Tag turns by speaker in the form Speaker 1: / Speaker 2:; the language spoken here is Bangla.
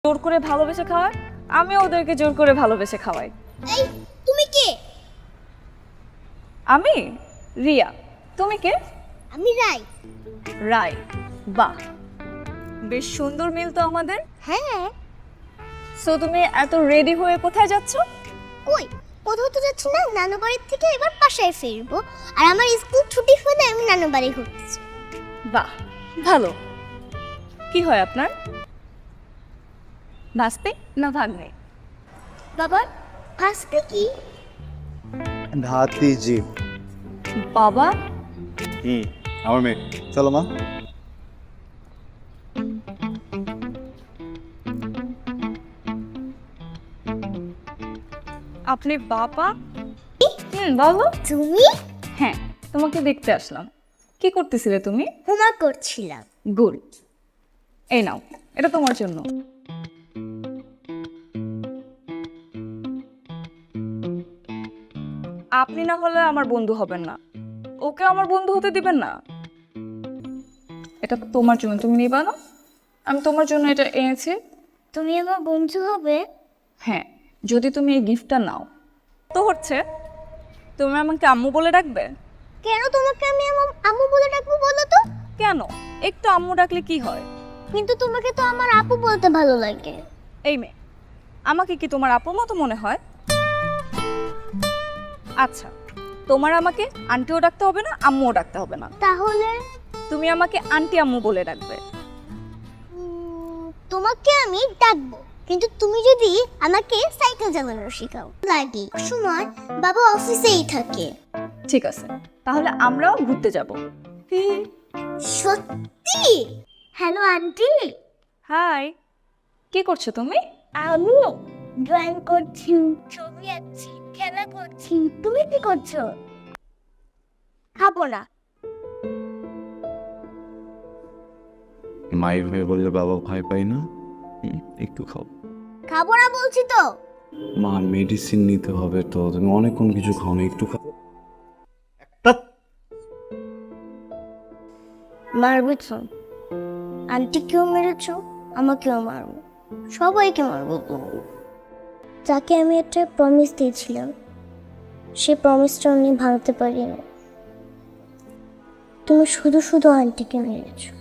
Speaker 1: জোর করে ভালোবেসে খাওয়ায়, আমি ওদেরকে জোর করে ভালোবেসে খাওয়াই।
Speaker 2: এই তুমি কে?
Speaker 1: আমি রিয়া। তুমি কে?
Speaker 2: আমি রাই।
Speaker 1: রাই। বাহ, বেশ সুন্দর মিল তো আমাদের।
Speaker 2: হ্যাঁ।
Speaker 1: সো তুমি এত রেডি হয়ে কোথায় যাচ্ছ?
Speaker 2: কই কোথাও তো যাচ্ছি না, নানু বাড়ির থেকে এবার বাসায় ফিরবো। আর আমার স্কুল ছুটি হলে আমি নানু বাড়ি ঘুরতেছি।
Speaker 1: বাহ, ভালো। কি হয় আপনার? ভাস্তে না ভাগ্নে?
Speaker 2: বাবা ভাসতে কি?
Speaker 3: ভাতিজি।
Speaker 1: বাবা,
Speaker 3: আমার মেয়ে। চলো মা।
Speaker 1: আপনি বাবা? বলো।
Speaker 2: তুমি?
Speaker 1: হ্যাঁ, তোমাকে দেখতে আসলাম। কি করতেছিলে তুমি?
Speaker 2: হোমওয়ার্ক করছিলাম।
Speaker 1: গুড। এই নাও, এটা তোমার জন্য। আপনি না হলে আমার বন্ধু হবেন না, ওকে আমার বন্ধু হতে দিবেন না। এটা তোমার জন্য, তুমি নিবা না? আমি তোমার জন্য এটা এনেছি।
Speaker 2: তুমি আমার বন্ধু হবে?
Speaker 1: হ্যাঁ, যদি তুমি এই গিফটটা নাও। তো হচ্ছে, তুমি আমাকে আম্মু বলে ডাকবে।
Speaker 2: কেন তোমাকে আমি আমার আম্মু বলে ডাকবো বলো তো?
Speaker 1: কেন? একটু আম্মু ডাকলে কি হয়?
Speaker 2: কিন্তু তোমাকে তো আমার আপু বলতে ভালো লাগে।
Speaker 1: এই মেয়ে, আমাকে কি তোমার আপুর মতো মনে হয়? আচ্ছা, তোমার আমাকে আন্টিও ডাকতে হবে না, আম্মুও ডাকতে হবে না।
Speaker 2: তাহলে
Speaker 1: তুমি আমাকে আন্টি আম্মু বলে ডাকবে।
Speaker 2: তোমাকে আমি ডাকবো, কিন্তু তুমি যদি আমাকে সাইকেল চালানো শেখাও। লাগে সময় বাবা অফিসেই থাকে।
Speaker 1: ঠিক আছে, তাহলে আমরাও ঘুরতে যাব।
Speaker 2: সত্যি? Hello aunty.
Speaker 1: হাই, কি করছো তুমি?
Speaker 2: আমি ড্রয়িং করছি, ছবি আঁকছি, খেলা করছি। তুমি কি করছো? খাবো না।
Speaker 4: মায়ের হয়ে বললে বাবা ভয় পাই না। একটু খাও।
Speaker 2: খাবো না বলছি তো।
Speaker 4: মা মেডিসিন নিতে হবে তো, তুমি অনেকক্ষণ কিছু খাও না, একটু খাও।
Speaker 2: মারবে তো। আন্টিকেও মেরেছ, আমাকেও মারবো, সবাইকে মারবো তুমি। যাকে আমি একটা প্রমিস দিয়েছিলাম, সে প্রমিসটা আমি ভাঙতে পারি না। তুমি শুধু শুধু আন্টিকে মেরেছো।